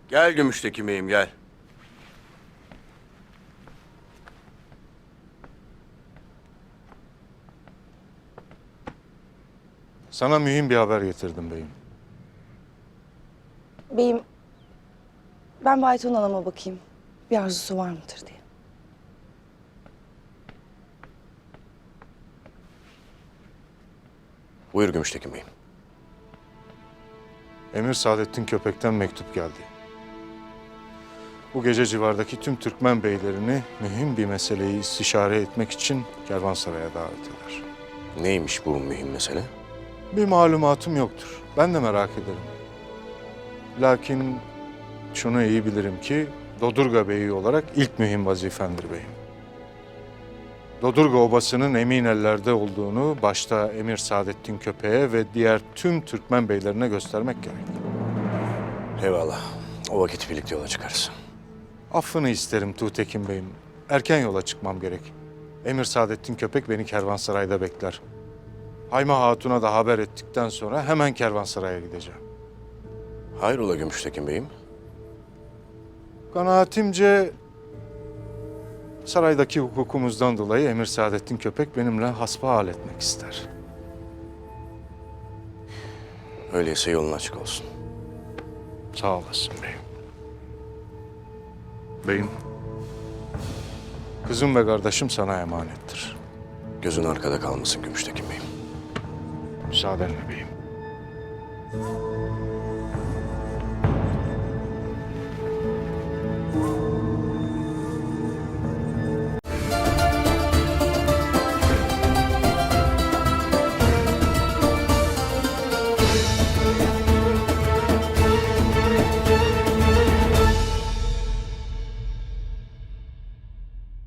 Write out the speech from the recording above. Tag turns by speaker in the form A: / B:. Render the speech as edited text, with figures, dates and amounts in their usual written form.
A: Gel Gümüşteki Bey'im gel.
B: Sana mühim bir haber getirdim beyim.
C: Beyim, ben Bayton Hanım'a bakayım. Bir arzusu var mıdır diye.
A: Buyur Gümüşteki Bey'im.
B: Emir Saadettin Köpek'ten mektup geldi. Bu gece civardaki tüm Türkmen beylerini mühim bir meseleyi istişare etmek için kervansaraya davet eder.
A: Neymiş bu mühim mesele?
B: Bir malumatım yoktur. Ben de merak ederim. Lakin şunu iyi bilirim ki Dodurga Beyi olarak ilk mühim vazifendir beyim. Dodurga Obası'nın emin ellerde olduğunu başta Emir Saadettin Köpek'e ve diğer tüm Türkmen beylerine göstermek gerek.
A: Eyvallah. O vakit birlikte yola çıkarız.
B: Affını isterim Tuğtekin Bey'im. Erken yola çıkmam gerek. Emir Saadettin Köpek beni kervansarayda bekler. Hayma Hatun'a da haber ettikten sonra hemen kervansaraya gideceğim.
A: Hayrola Gümüşteki Bey'im?
B: Kanaatimce saraydaki hukukumuzdan dolayı Emir Saadettin Köpek benimle hasbihal etmek ister.
A: Öyleyse yolun açık olsun.
B: Sağ olasın beyim. Beyim, kızım ve kardeşim sana emanettir.
A: Gözün arkada kalmasın Gümüşteki Bey'im.
B: Müsaadenle beyim.